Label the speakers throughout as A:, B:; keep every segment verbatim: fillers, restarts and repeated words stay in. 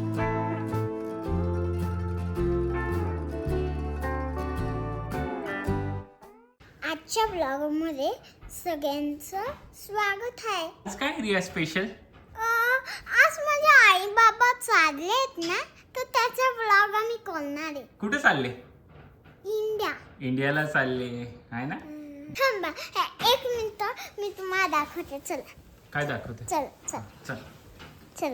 A: आजच्या ब्लॉगमध्ये सगळ्यांचं स्वागत आहे.
B: आज काय रिया स्पेशल?
A: आज माझे आई बाबा चाललेत ना, तर त्याचा ब्लॉग आम्ही करणार आहे.
B: कुठे चालले?
A: इंडिया.
B: इंडियाला चालले आहे ना?
A: थांबा एक मिनिट, मी तुम्हाला दाखवते. चला.
B: काय दाखवते?
A: चल चल
B: चल.
A: चला.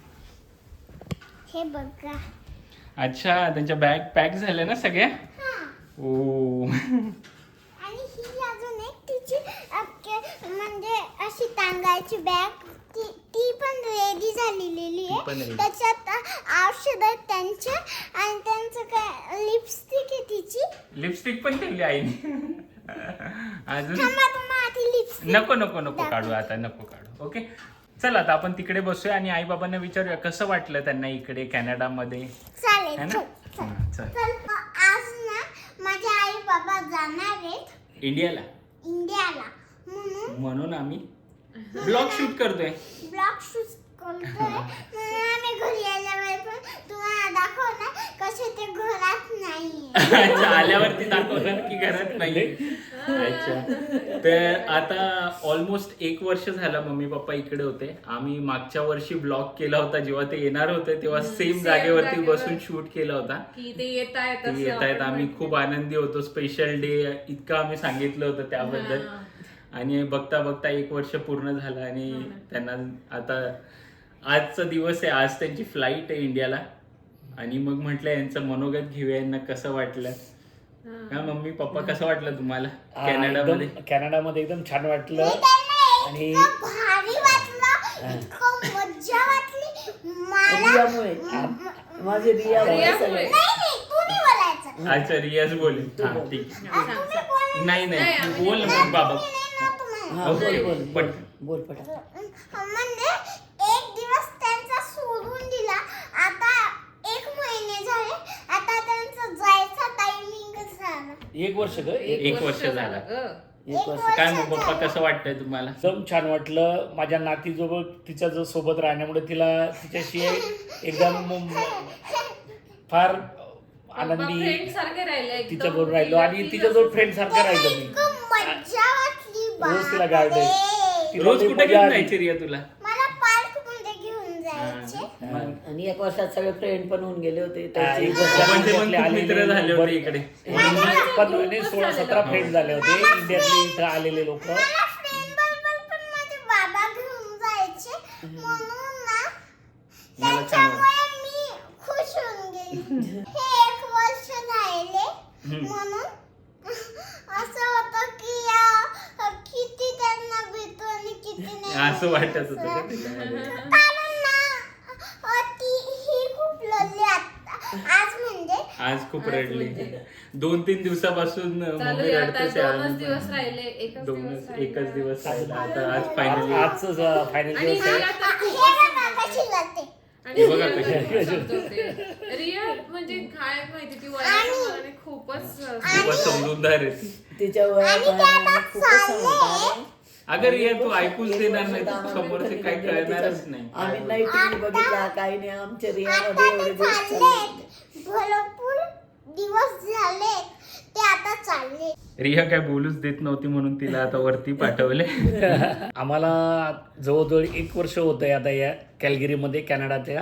A: हे बघा.
B: अच्छा, त्यांच्या बॅग पॅक झाल्या ना सगळ्या?
A: हा.
B: ओ.
A: आणि ही अजून एक तिची अख्खे म्हणजे अशी टांगायची बॅग, ती ती पण रेडी झालेली
B: ती पण
A: आहे.
B: ready.
A: त्याच्यात औषध आहेत त्यांचे, आणि त्यांचं काय लिपस्टिक आहे तिची.
B: लिपस्टिक पण ठेवली आईने. अजून
A: थांबा, तुम्हाला आधी लिपस्टिक
B: नको नको नको काढू आता, नको काढू. ओके, चल आता आपण तिकडे बसूया आणि आई बाबांना विचारूया कसं वाटलं त्यांना इकडे कॅनडामध्ये.
A: चालेल.
B: है ना?
A: चल चल
B: हा, चल.
A: चल. आज ना माझे आई बाबा जाणार आहेत
B: इंडियाला,
A: इंडियाला, म्हणून
B: म्हणून आम्ही ब्लॉग शूट करतोय.
A: ब्लॉग शूट करतोय. म्हणून आम्ही घरी आल्यावर पण तुम्हाला दाखव ना कसे ते घरात नाहीये.
B: अच्छा, आल्यावरती दाखवणार की घरात नाही. अच्छा, तर आता ऑलमोस्ट एक वर्ष झालं मम्मी पप्पा इकडे होते. आम्ही मागच्या वर्षी ब्लॉग केला होता, जेव्हा ते येणार होते तेव्हा सेम जागेवरती बसून शूट केला होता
C: की ते येत आहेत
B: ते येत आहेत. आम्ही खूप आनंदी होतो. स्पेशल डे इतकं आम्ही सांगितलं होतं त्याबद्दल. आणि बघता बघता एक वर्ष पूर्ण झालं आणि त्यांना आता आजचा दिवस आहे. आज त्यांची फ्लाईट आहे इंडियाला. आणि मग म्हटलं यांचं मनोगत घेऊया, यांना कसं वाटलं. हा मम्मी पप्पा, कसं वाटलं तुम्हाला कॅनडामध्ये?
D: कॅनडामध्ये एकदम छान वाटलं. आणि
A: इतकं भारी वाटलं, इतकं मज्जा वाटली मला.
E: रियामुळे माझे रिया
C: रियामुळे.
A: नाही नाही, तुम्ही बोलायचं.
B: अच्छा, रियाज बोले. हा ठीक आहे.
A: आ, तुम्ही बोल.
B: नाही नाही
C: नाही,
B: तू बोल ना मग बाबा.
A: मी नाही ना तुम्हाला.
E: हा बोल बोल
B: पण
E: बोल पटा.
A: म्हणजे एक दिवस त्यांचा सोडून दिला. आता एक महिने झाले. आता त्यांचं जायचा टायमिंग झाला.
D: एक वर्ष ग
B: एक वर्ष झालं.
E: एक वर्ष
B: काय मग पप्पा, कसं वाटतंय तुम्हाला?
D: एकदम छान वाटलं. माझ्या नातीजवळ तिच्या जो सोबत राहण्यामुळे तिला तिच्याशी एकदम फार आनंदी
C: फ्रेंड सारखे राहिले
D: तिच्याबरोबर राहिलो आणि तिच्याजवळ फ्रेंड सारखं राहिलो मी.
A: इतकं मज्जा वाटली
D: रोज तिला
A: बापरे.
D: गार्डन तिला
B: रोज
D: लई
B: कुठे
D: मजा
B: घेऊन
D: आली.
B: जायची रिया तुला?
A: मला पार्क मध्ये घेऊन जायचे.
E: आणि एक वर्षात सगळे फ्रेंड पण होऊन गेले होते.
D: हा,
E: त्याची
D: एक
B: म्हणजे पण खूप
D: आलेले
B: मित्र झाले होते
D: बरे-
B: इकडे.
D: पंधरा नाही, सोळा सतरा फ्रेंड झाले होते इंडियातले इथं आलेले लोक.
A: मला फ्रेंड बरोबर पण माझे बाबा घेऊन जायचे. म्हणून ना
B: मला छान
A: त्याच्यामुळे मी खुश होऊन गेली. हे एक वर्ष राहिले म्हणून असं होतं की अं, किती त्यांना भेटतो आणि किती नाही.
B: असं वाटत होतं का त्याच्यामध्ये?
A: कारण ना अं, ती ही खूप लढली आता. आज म्हणजे
B: आज खूप रडली. दोन तीन दिवसापासून
C: चालू
B: मम्मी
C: आहे. आता
B: रडतेच
C: दोनच
B: आहे.
C: दिवस राहिले, एकच दिवस
B: दोनच
C: राहिला.
B: एकच दिवस राहिला. आता आज फायनली
D: आजच फायनल
C: आणि
D: दिवस आहे.
C: रिया तर
A: हे
C: खूपच
A: बघा कशी लढते.
C: आणि
B: बघा
C: रिया
B: कशी.
C: तर खूप समजवते. रिया म्हणजे काय माहिती, ती वयाच्या मानाने खूपच
B: खूपच समजूनदार आहे ती.
E: तिच्या
A: आणि ते आता
E: वयात खूपच समजदार आहे.
B: अगं रिया, तू ऐकूच
E: एक
B: देणार
E: वर्ष
B: नाही,
E: तर
B: तू
E: आम्हाला
B: समोरचे
E: घरी
B: काही
E: गेलं
B: कळणारच
E: तिचं.
B: नाही.
E: आम्ही नाही टीव्ही बघितला काही नाही. आमच्या रियामध्ये
A: आता
E: एवढे
A: ते
E: दिवस चालले.
A: चाललेत. भरपूर दिवस झाले ते आता चालले.
B: रिया काय बोलूच देत नव्हती म्हणून तिला आता वरती पाठवले.
D: आम्हाला जवळजवळ एक वर्ष होतं आहे आता या कॅलगिरीमध्ये कॅनडाच्या.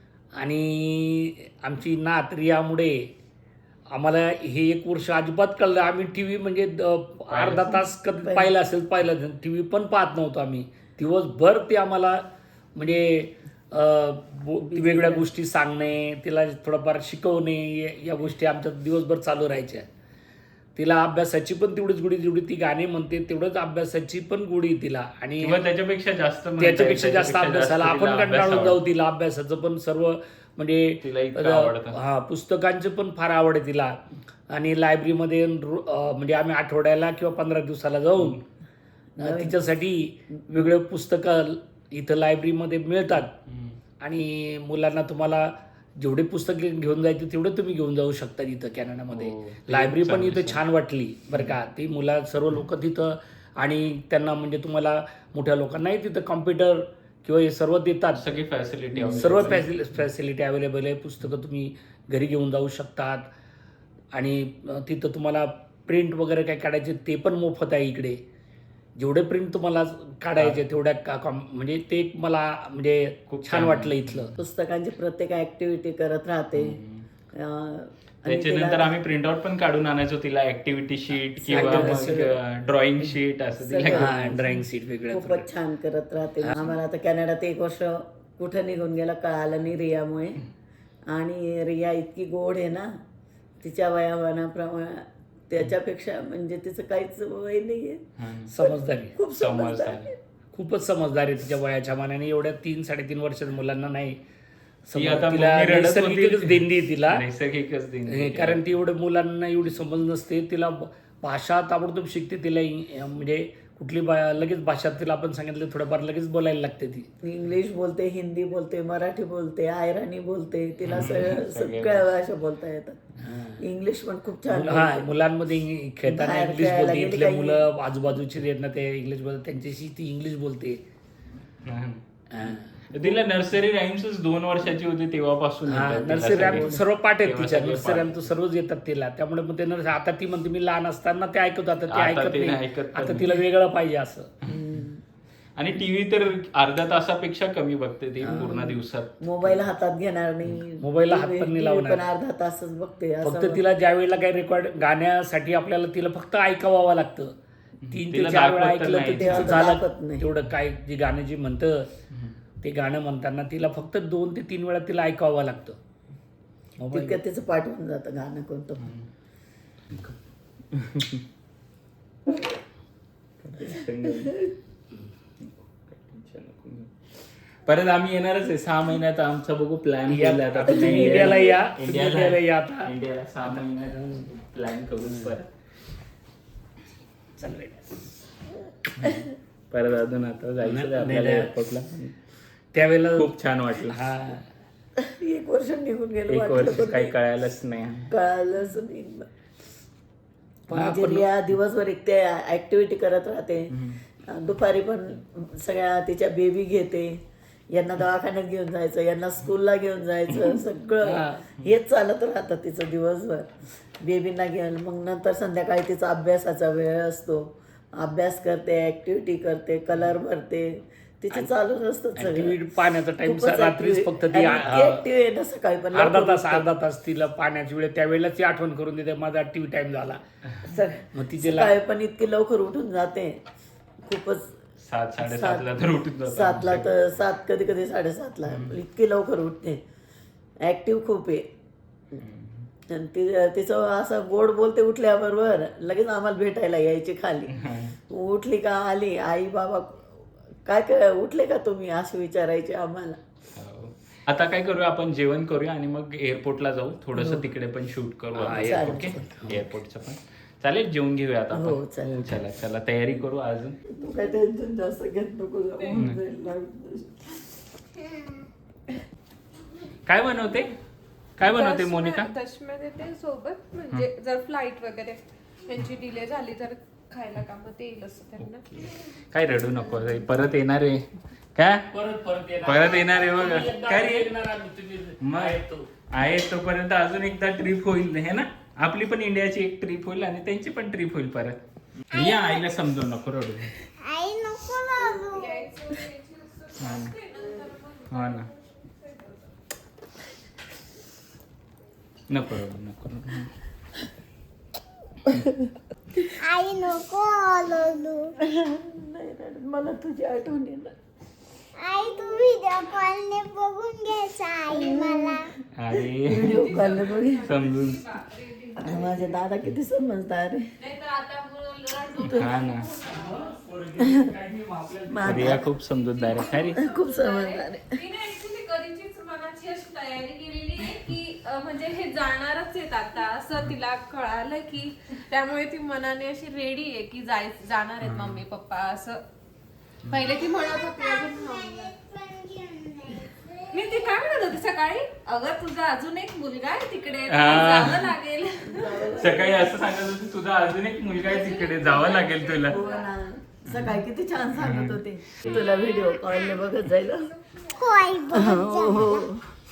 D: आणि आमची नात रियामुळे आम्हाला हे एक वर्ष अजिबात कळलं. आम्ही टी व्ही म्हणजे द- अर्धा तास कधी पाहिलं असेल पाहिलं टी व्ही पण पाहत नव्हतो आम्ही. दिवसभर ते आम्हाला म्हणजे अं, बो- वेगवेगळ्या गोष्टी सांगणे, तिला थोडंफार शिकवणे, या- या गोष्टी आमच्या दिवसभर चालू राहायच्या. तिला अभ्यासाची पण तेवढीच गोडी, जेवढी ती गाणे म्हणते तेवढंच अभ्यासाची पण गोडी तिला. आणि
B: किंवा त्याच्यापेक्षा जास्त म्हणता येईल,
D: त्याच्यापेक्षा जास्त अभ्यासाला
B: तिला
D: आपण
B: अभ्यास
D: कंटाळून
B: आवडतो.
D: जाऊ. तिला अभ्यासाचं पण सर्व म्हणजे
B: तिला इतकं आवडतं.
D: हा पुस्तकांचं पण फार आवड आहे तिला. आणि लायब्ररीमध्ये रो- अं, म्हणजे आम्ही आठवड्याला किंवा पंधरा दिवसाला जाऊन अं, तिच्यासाठी वेगळे पुस्तकं इथं लायब्ररीमध्ये मिळतात. आणि मुलांना तुम्हाला जेवढे पुस्तक घेऊन जायचे तेवढे तुम्ही घेऊन जाऊ शकता इथं कॅनडामध्ये.
B: हो,
D: लायब्ररी पण
B: चांगली
D: इथं छान वाटली बरं का. ती मुला सर्व लोक तिथं. आणि त्यांना म्हणजे तुम्हाला मोठ्या लोकांनाही तिथं कॉम्प्युटर किंवा हे सर्व देतात.
B: सगळी फॅसिलिटी
D: सर्व फॅसिलि फॅसिलिटी अवेलेबल आहे. पुस्तकं तुम्ही घरी घेऊन जाऊ शकतात आणि अ, तिथं तुम्हाला प्रिंट वगैरे काय काढायचे ते पण मोफत आहे इकडे. जेवढे प्रिंट तुम्हाला काढायचे तेवढ्या का कम- म्हणजे ते एक मला म्हणजे
B: खूप
D: छान
B: छान
D: वाटलं इथलं.
E: पुस्तकांची प्रत्येक ऍक्टिव्हिटी करत राहते. अं, आणि
B: त्याच्यानंतर
E: तिला-
B: आम्ही प्रिंट आउट पण काढून आणायचो तिला, ऍक्टिव्हिटी शीट किंवा
D: Activity
B: मग ड्रॉइंग शीट असं तिला
E: सगळं.
D: हा ड्रॉइंग सीट वेगळ्या
E: खूपच छान करत राहते. आम्हाला आता कॅनडात एक वर्ष कुठं निघून गेलं कळालं नाही रियामुळे. आणि रिया इतकी गोड आहे ना, तिच्या वयामानाप्रमाणे त्याच्यापेक्षा म्हणजे तिचं काहीच वय नाही आहे.
D: समजदारी,
E: खूप समजदार
B: समजदार
E: आहे.
D: खूपच समजदार आहे तिच्या वयाच्या मानाने. एवढ्या तीन साडेतीन वर्षाच्या मुलांना नाही
B: ती
D: समज-
B: आता
D: तिला
B: मम्मी रडत होती.
D: नैसर्गिकच देणगी आहे तिला.
B: नैसर्गिकच देणगी
D: हे,
B: आहे.
D: कारण ती एवढ्या मुलांना एवढी समज नसते. तिला ब- भाषा ताबडतोब शिकते. तिला इ- म्हणजे कुठली बा लगेच भाषा तिला आपण सांगितलं थोडंफार लगेच बोलायला लागते ती.
E: इंग्लिश बोलते, हिंदी बोलते, मराठी बोलते, आयराणी बोलते. तिला सगळं सगळ्या भाषा बोलता येतात. इंग्लिश पण खूप छान
D: हा
E: बोलते.
D: मुलांमध्ये इंग- खेळताना
E: बाहेर
D: इंग्लिश
E: खेळायला
D: बोलते.
E: गेली
D: इथले
E: काही-
D: मुलं आजूबाजूची आहेत ना ते इंग्लिश बोलतात, त्यांच्याशी ती इंग्लिश बोलते.
B: हा.
D: हा.
B: तिला नर्सरी राईम्सच दोन वर्षाची होती तेव्हापासून
D: हा,
B: येतात तिला
D: नर्सरी रॅम्प
B: सगळे.
D: सर्व पाठ आहेत
B: तेव्हा
D: तिच्या.
B: सगळे
D: नर्सरी
B: पाठ.
D: रॅम्प सर्वच येतात तिला. त्यामुळे मग ते नर्सरी आता ती म्हणते मी लहान असताना ते ऐकत आता ते
B: आता
D: ऐकत
B: ते
D: नाही.
B: ऐकत पण
D: आता
B: नाही.
D: तिला वेगळं पाहिजे असं.
B: आणि टीव्ही तर अर्ध्या तासापेक्षा कमी बघते ती पूर्ण दिवसात.
E: मोबाईल हातात घेणार नाही.
D: मोबाईलला हात पण नाही
E: टी व्ही
D: लावणार.
E: पण अर्धा तासच बघते. असं
D: फक्त तिला ज्या वेळेला काही रेकॉर्ड गाण्यासाठी आपल्याला तिला फक्त ऐकावं लागतं. तीन ते
B: तिला
D: चार वेळा
B: दाखवत तर
D: ऐकलं तर
B: नाही.
D: तिचं
E: तेव्हा दाखवत
D: झालं
E: नाही.
D: तेवढं काय जी गाणं जी म्हणतं ते गाणं म्हणताना तिला फक्त दोन ते तीन वेळा तिला ऐकावं लागतं. मोबाईल
E: तितक्यात तिचं पाठ होऊन जातं गाणं कोणतं पण.
B: परत आम्ही येणारच आहे सहा महिन्यात. आमचा बघू प्लॅन
D: या-
B: केला आता.
D: तुम्ही इंडियाला या. तुम्ही इंडियाला या
B: इंडियाला
D: आता.
B: इंडियाला सहा महिन्यात प्लॅन करू परत.
D: चाललंय.
B: परत अजून आता जायचं आहे
D: नाही,
B: आपल्याला
D: नाही.
B: एअरपोर्टला.
D: त्यावेळेला
B: खूप छान वाटलं.
D: हा
E: एक वर्ष निघून गेलं
B: एक
E: वाटलं
B: वर्ष
E: पण
B: काही कळायलाच नाही.
E: कळालंच नाही.
D: पण
E: म्हणजे
D: आपण-
E: रिया दिवसभर एक ते ऍक्टिव्हिटी करत राहते. दुपारी पण सगळ्या तिच्या बेबी घेते. यांना दवाखान्यात घेऊन जायचं, यांना स्कूलला घेऊन जायचं, सगळं हेच चालत राहतं तिचं दिवसभर. बेबींना घेऊन मग नंतर संध्याकाळी तिचा अभ्यासाचा वेळ असतो. अभ्यास करते, ऍक्टिव्हिटी करते, कलर भरते. तिचे चालूच असतं सगळं.
D: ऍक्टिव्हिटी पाण्याचा टाइम
E: खूपच
D: रात्रीच
E: active-
D: फक्त ती
E: आणि ती active आहे ना सकाळी पण
D: अर्धा
E: लवकर
D: तास
E: उठते.
D: अर्धा तास तिला पाण्याची वेळ त्यावेळेला ती आठवण करून देते माझा टीव्ही टाइम झाला.
E: सक-
D: मग तिचे ला-
E: सकाळी पण इतकी लवकर उठून जाते. खूपच
B: सात साडेसातला तर उठून जातो.
E: सातला तर सात कधी कधी साडेसातला इतकी लवकर उठते. ऍक्टिव्ह खूप आहे. आणि ति- तिचं असं गोड बोलते उठल्याबरोबर लगेच आम्हाला भेटायला यायची खाली. उठली का आली आई बाबा काय काय उठले का तुम्ही असं विचारायचे आम्हाला.
B: हो. आता काय करूया आपण जेवण करूया आणि मग एअरपोर्टला जाऊ. थोडस
E: हो.
B: तिकडे पण शूट करू
E: चालेल.
B: ओके. एअरपोर्टचं पण चालेल. जेवून घेऊया आता
E: हो,
B: आपण.
E: चालेल.
B: चला चला तयारी करू अजून.
E: तू काय टेन्शन जास्त घेत नको जाऊ. होऊन जाईल.
B: काय बनवते काय बनवते
C: दशम्या-
B: मोनिका?
C: दशम्या देते सोबत म्हणजे जर फ्लाईट वगैरे त्यांची डिले झाली तर खायला कामात येईल असं त्यांना.
B: काय रडू नको रे. परत येणार आहे काय?
D: परत परत येणार.
B: परत येणार आहे बघ.
D: एकदा
B: काय रे?
D: येणार आम्ही, तुम्ही
B: मग
D: आहे तो.
B: आहे तोपर्यंत अजून एकदा ट्रिप होईल हे ना. आपली पण इंडियाची एक ट्रिप होईल आणि त्यांची पण ट्रिप होईल परत. या आईला समजू नको रडू.
A: आई नको लावू.
B: हा ना. हा ना नको रडू नको रडू.
A: आई नको लावू.
E: नाही रडत. मला तुझी आठवण येणार.
A: आई तू व्हिडिओ कॉलने बघून घ्यायचा आई मला.
B: अरे
E: व्हिडिओ कॉल बघ.
B: समजून.
E: माझे दादा किती समजदार आहे.
B: हा ना.
E: माझा
B: रिया खूप समजूतदार आहे. काय रे?
E: खूप समजदार आहे.
C: तिने ऍक्च्युली कधीचीच मनाची अशी तयारी केलेली आहे की अं, म्हणजे हे जाणारच आहेत आता असं तिला कळालं की त्यामुळे ती मनाने अशी रेडी आहे की जाय जाणार आहेत मम्मी पप्पा असं. पहिले ती म्हणत होती अजून हा. मी ती काय म्हणत होती सकाळी अगं तुझा अजून एक मुलगा आहे तिकडे
B: हा.
C: जावं लागेल.
B: सकाळी असं सांगत होती तुझा अजून एक मुलगा आहे तिकडे जावं लागेल तुला.
E: हो ना. सकाळी किती छान सांगत होते. तुला व्हिडिओ कॉलने बघत जाईल.
A: होय बघ.
E: हो हो.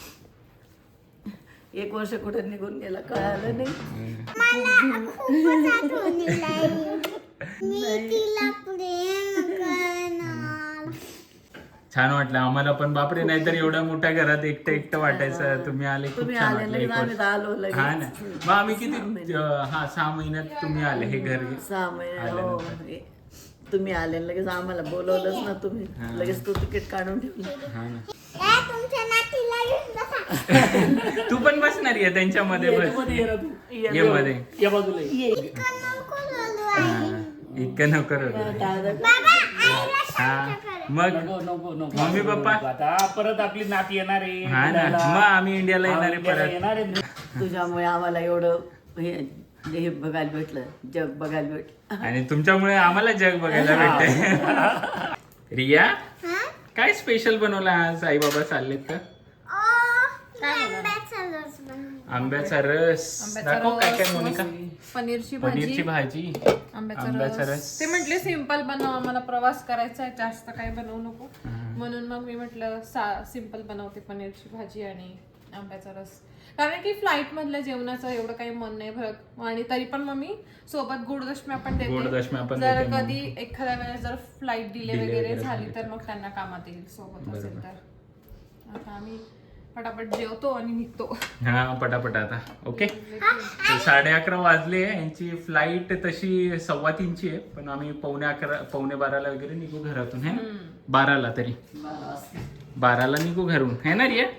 E: एक वर्ष कुठे निघून गेला कळालं नाही.
A: मला खूपच आठवण येईल. मी तिला प्रेम करणार.
B: छान वाटलं आम्हाला पण. बापरे, नाहीतर एवढ्या मोठ्या घरात एकटं एकटं वाटायचं. तुम्ही आले खूप
E: तुम्ही
B: छान
E: आले
B: वाटलं.
E: लगेच
B: एक
E: आम्ही
B: वर्ष.
E: तर आलो लगेच.
B: हा ना, मग आम्ही किती अं, हा सहा महिन्यात तुम्ही आले हे घर.
E: सहा महिने हो. तुम्ही आले लगेच आम्हाला बोलवलंच ना तुम्ही. लगेच तू तिकीट काढून ठेवलं.
B: हा ना.
A: ए, तुमच्या नातीला घेऊन बसा.
B: तू पण बसणार आहे त्यांच्यामध्ये बस.
D: मध्ये ये ना तू.
B: ये मध्ये.
D: या बाजूला ये.
A: इतकं नको रडू आई.
B: हा, इतकं नको रडू.
A: बाबा आईला
B: हा मग
D: नको नको नको.
B: Mummy papa.
D: आता परत आपली नात येणार आहे
B: हा ना,
D: इंडियाला.
B: मग आम्ही इंडियाला येणार आहे
D: इंडियाला
B: परत.
D: येणार आहे.
E: तुझ्यामुळे आम्हाला एवढं हे हे बघायला भेटलं, जग बघायला भेटलं.
B: आणि तुमच्यामुळे आम्हाला जग बघायला भेटते. रिया,
A: हा?
B: काय स्पेशल बनवलं आज? आई बाबा चाललेत तर
A: ओ, आंब्याचा रस बनव.
B: आंब्याचा रस.
C: आंब्याचा
B: दाखव काय काय
C: रस,
B: मोनिका.
C: पनीरची
B: पनीरची
C: भाजी,
B: भाजी,
C: आंब्याचा
B: आंब्याचा
C: रस.
B: रस.
C: ते म्हटले सिंपल बनव, आम्हाला प्रवास करायचा आहे, जास्त काही बनवू नको. म्हणून मग मी म्हटलं सिंपल बनवते, पनीरची भाजी आणि आंब्याचा रस. कारण की फ्लाईट मधल्या जेवणाचं एवढं काही मन नाही भरत. आणि तरी पण मग मी सोबत गोडदशम्या पण
B: गोडदशम्या
C: देते.
B: पण
C: जर
B: देते मग.
C: कधी एखाद्या वेळेस जर फ्लाईट डिले
B: Delay
C: वगैरे
B: वगैरे
C: झाली
B: झाली
C: तर मग त्यांना कामात येईल सोबत असेल तर. आता आम्ही पटापट जेवतो आणि निघतो.
B: हा पटापट आता. ओके, साडे अकरा वाजले. यांची फ्लाईट तशी सव्वा तीनची आहे, पण आम्ही पावणे अकरा पावणे बाराला वगैरे निघू घरातून. है बाराला तरी बाराला निघू घरून. है ना रिया?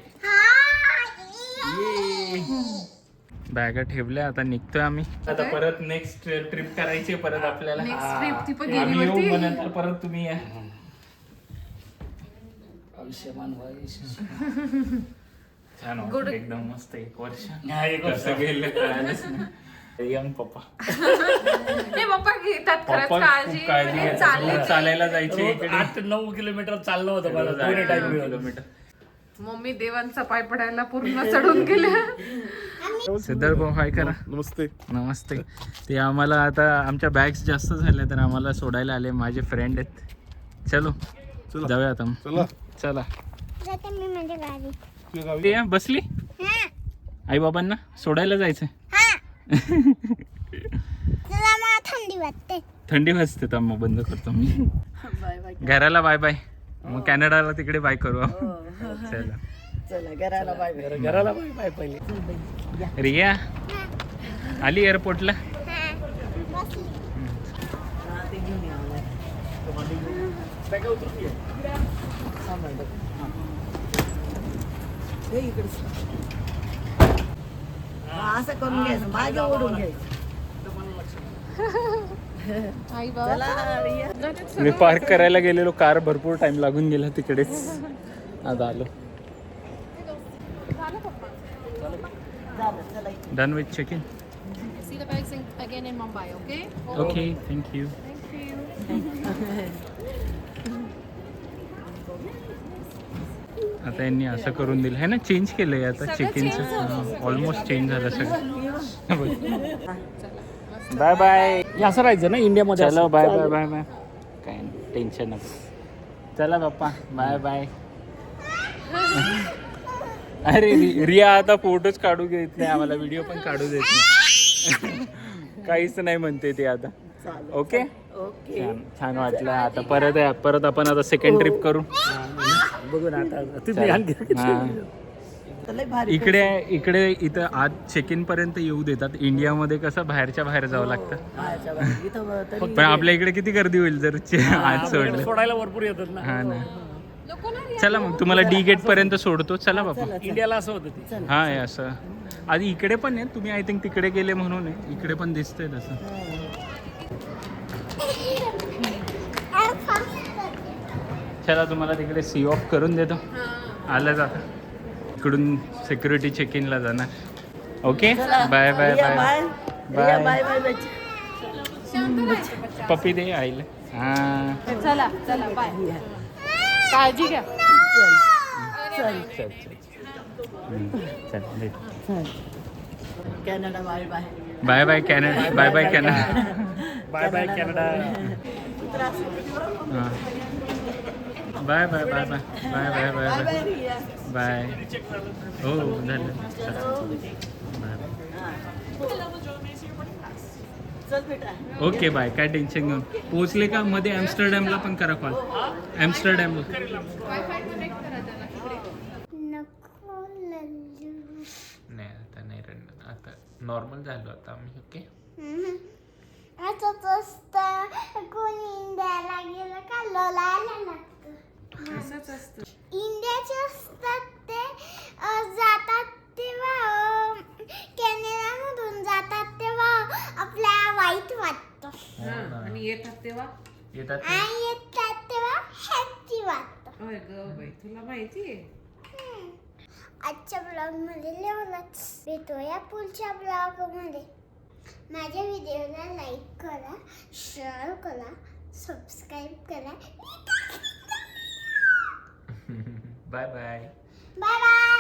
B: बॅगा ठेवल्या, आता निघतोय आम्ही. आता परत नेक्स्ट ट्रिप करायची आहे परत आपल्याला.
C: नेक्स्ट ट्रिप ती पण
B: आम्ही येऊ,
C: गेली
B: मग नंतर परत तुम्ही या.
D: आयुष्यमान व्हायस.
B: छान
C: Good.
B: वाटलं, एकदम मस्त. एक वर्ष
D: हा, एक वर्ष.
B: कसं गेलं कळालंच नाही. यंग पप्पा
C: हे पप्पा घेतात खरंच
B: पप्पा
C: काळजी.
B: खूप काळजी
C: म्हणजे
B: घेतात.
C: चालले
B: रोज चालायला जायचे इकडे.
D: आठ नऊ किलोमीटर चाललं होतं मला
B: रोज
D: दोन्ही
B: आठ
D: टाइम मिळून.
B: किलोमीटर.
C: मम्मी देवांचा पाय पडायला पूर्ण चढून गेल्या.
B: सिद्धार्थ भाऊ हाय करा.
F: नमस्ते.
B: नमस्ते. ते आम्हाला आता आमच्या बॅग्स जास्त झाल्या तर आम्हाला सोडायला आले. माझे फ्रेंड आहेत. चलो
F: चला.
B: जाऊया आता.
F: चला.
B: चला.
A: जाते मी माझ्या गाडीत.
F: तुझ्या गावी.
B: रिया बसली.
A: हा
B: आई बाबांना सोडायला जायचंय.
A: हा. तुला मला थंडी वाटते.
B: थंडी वाजते तर मग बंद करतो मी.
E: Bye bye.
B: घराला बाय बाय. मग कॅनडाला तिकडे बाय करू आपण. चला.
E: चला घराला बाय बाय.
D: घराला बाय बाय पहिले.
B: रिया आली एअरपोर्टला.
A: हा. बसली.
E: हा, ते घेऊन या मला. सांभाळ बघ. हे इकडे. हा, असं करून घ्यायचं, मागे ओढून घ्यायचं.
C: आई
E: चला रिया.
B: मी पार्क करायला गेलेलो, कार भरपूर टाइम लागून गेला तिकडेच. आता आलो.
E: झालं चला.
B: Done with check in.
C: See the bags in, again in Mumbai, okay?
B: Okay, thank you. आता यांनी असं करून दिलं आहे ना, चेंज केलंय आता चेक इनचं. ऑलमोस्ट चेंज झालं सगळं. Bye bye.
D: हे असं राहायचं ना इंडियामध्ये.
B: चलो बाय बाय बाय बाय. काय टेन्शन नको. चला बाप्पा बाय बाय. अरे रि- रिया आता फोटोच काढू देत नाही आम्हाला, व्हिडिओ पण काढू देत नाही. काहीच नाही म्हणते ते आता.
E: चालेल.
B: Okay,
E: okay.
B: छान छान वाटलं. आता परत परत आपण आता सेकंड ट्रिप करू.
D: बघू ना आता तुम्ही आणखी.
B: हा.
E: लय भारी.
B: इकडे इकडे इथं आज चेक इन पर्यंत येऊ देतात. इंडियामध्ये कसं बाहेरच्या बाहेर जावं लागतं.
E: बाहेरच्या बाहेर. इथं तरी
B: पण आपल्या इकडे किती गर्दी होईल जर चे- आज सोडलं.
D: सोडायला भरपूर येतात ना.
B: हा ना. चला मग तुम्हाला डी गेट पर्यंत सोडतो. चला बाबा.
D: इंडियाला असं होतं ते.
B: हा आहे असं. आधी इकडे पण आहे. तुम्ही आय थिंक तिकडे गेले म्हणून आहे. इकडे पण दिसतंय तसं. चला तुम्हाला तिकडे सी ऑफ करून देतो. आलं जाता इकडून सिक्युरिटी चेक इनला जाणार. Okay bye bye
E: Riya
B: bye
E: Riya
B: bye.
E: Bye bye बच्चे.
B: पप्पी दे आईला. हा
C: चला चला बाय. काळजी घ्या.
E: चल
B: चल चल हम्म, चल दे.
E: चल. Canada bye bye.
B: Bye bye Canada. Bye bye Canada.
D: Bye bye Canada.
B: हां bye bye bye bye bye bye bye bye bye हो झालं बाय
E: चल बेटा.
B: ओके बाय काय टेन्शन घेऊन पोहोचले का मध्ये ॲम्स्टरडॅमला पण करा कॉल ॲम्स्टरडॅमला
A: नको लल्लू.
B: नाही आता नाही रडणार आता नॉर्मल झालो आता आम्ही ओके
A: हम्म. असंच असतं कोणी इंडियाला गेलं का लोळायला लागतं.
C: असंच असतं.
A: इंडियाचे असतात ते अं, जातात तेव्हा अं, कॅनडामधून जातात तेव्हा आपल्याला वाईट वाटतं
C: हा, आणि येतात तेव्हा
B: येतात
A: आणि येतात तेव्हा हॅपी वाटतं.
C: होय ग बाई तुला माहितीये.
A: हम्म. आजच्या ब्लॉग मध्ये एवढंच. भेटूया पुढच्या ब्लॉग मध्ये. माझ्या व्हिडिओला लाईक करा, शेअर करा, सबस्क्राईब करा.
B: Bye bye
A: bye bye.